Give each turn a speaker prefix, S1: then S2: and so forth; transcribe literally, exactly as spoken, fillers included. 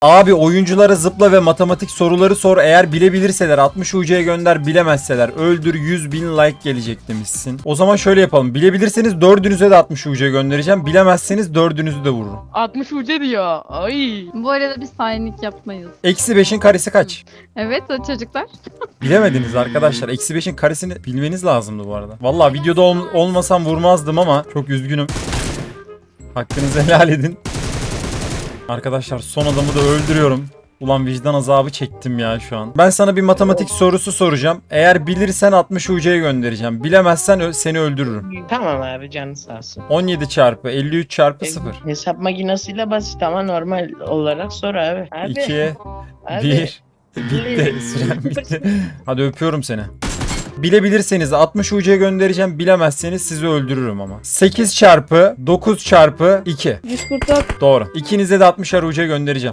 S1: Abi oyunculara zıpla ve matematik soruları sor. Eğer bilebilirseler altmış U C'ye gönder, bilemezseler öldür, yüz bin like gelecek demişsin. O zaman şöyle yapalım. Bilebilirseniz dördünüze de altmış U C göndereceğim. Bilemezseniz dördünüzü de vururum.
S2: altmış uca diyor. Ay.
S3: Bu arada biz hainlik yapmayız.
S1: Eksi beşin karesi kaç?
S3: Evet o çocuklar.
S1: Bilemediniz arkadaşlar. Eksi beşin karesini bilmeniz lazımdı bu arada. Vallahi videoda ol- olmasam vurmazdım ama çok üzgünüm. Hakkınızı helal edin. Arkadaşlar son adamı da öldürüyorum. Ulan vicdan azabı çektim ya şu an. Ben sana bir matematik sorusu soracağım. Eğer bilirsen altmış U C'ye göndereceğim. Bilemezsen ö- seni öldürürüm.
S4: Tamam abi, canı sağ olsun.
S1: on yedi çarpı elli üç çarpı sıfır.
S4: Hesap makinesiyle basit ama normal olarak sor abi. Abi.
S1: ikiye
S4: abi.
S1: bir. Bitti. Süren bitti. Hadi öpüyorum seni. Bilebilirseniz altmış U C'ye göndereceğim. Bilemezseniz sizi öldürürüm ama. sekiz çarpı dokuz çarpı iki.
S4: Yüz kurtar.
S1: Doğru. İkinize de altmışar U C göndereceğim.